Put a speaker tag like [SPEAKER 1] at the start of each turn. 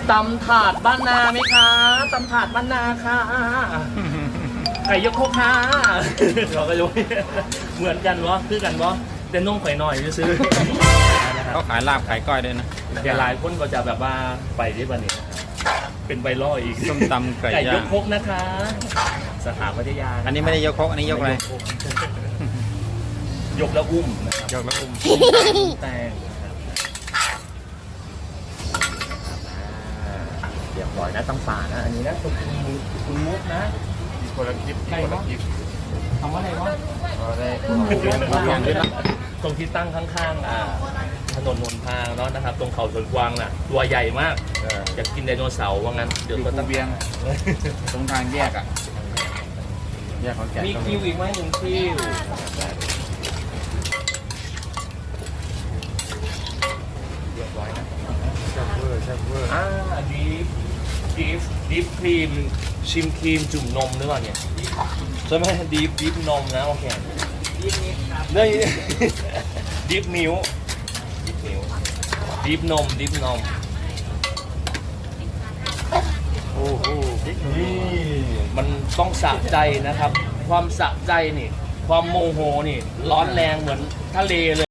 [SPEAKER 1] ตำถาดบ้านนาไหมคะตำถาดบ้านนาค่ะไก่ยกโคกค่ะเราก็ยกเหมือนกันวะคือกันวะแต่นุ่งไข่หน่อยจะซื้อ
[SPEAKER 2] เขาขายลาบขายก้อยด้วยนะ
[SPEAKER 1] แต่หลายคนก็จะแบบว่าไปได้ป่ะเนี่ยเป็นใบล่ออีก
[SPEAKER 2] ส้มตำไก่
[SPEAKER 1] ไก่ย
[SPEAKER 2] ย่าก ง
[SPEAKER 1] โคกนะคะ สถาปัตยา
[SPEAKER 2] อันนี้ไม่ได้ยกครกอันนี้ยกอะไร
[SPEAKER 1] ยกแล้วอุ้มนะครับ
[SPEAKER 2] ยกแล้วอุ้ม
[SPEAKER 1] แตงเรียบร้อยนะตำป่านะอันนี้นะคุณมุกนะ
[SPEAKER 3] คนละคลิปคนละคลิป
[SPEAKER 1] ทำว่าอะไรวะ
[SPEAKER 3] ก็ได้
[SPEAKER 1] ตรงที่ตั้งข้างๆถนนนนทางเนาะนะครับ ตรงเขาสวนกวางน่ะตัวใหญ่มากอยากกินไดโนเสาร์ว่างั้นเดี๋ยว
[SPEAKER 3] อยู่
[SPEAKER 1] ก็
[SPEAKER 3] ภู
[SPEAKER 1] ต้อง
[SPEAKER 3] เวียงตรงทางแยกอ่ะแยกของแก่น
[SPEAKER 1] มีคิวอีกไหมหนึ่งคิวเรียบร้อยนะ
[SPEAKER 3] แซ่บเวอร์แซ่บเวอร์
[SPEAKER 1] ดีฟครีมชิมครีมจุ่มนมหรือเปล่าเนี่ยใช่ไหมดีฟนมนะโอเคได้ ดีฟมิวดีฟนม
[SPEAKER 3] โอ้โห
[SPEAKER 1] นี่มันต้องสะใจนะครับ ความสะใจนี่ ความโมโหนี่ ร้อนแรงเหมือนทะเลเลย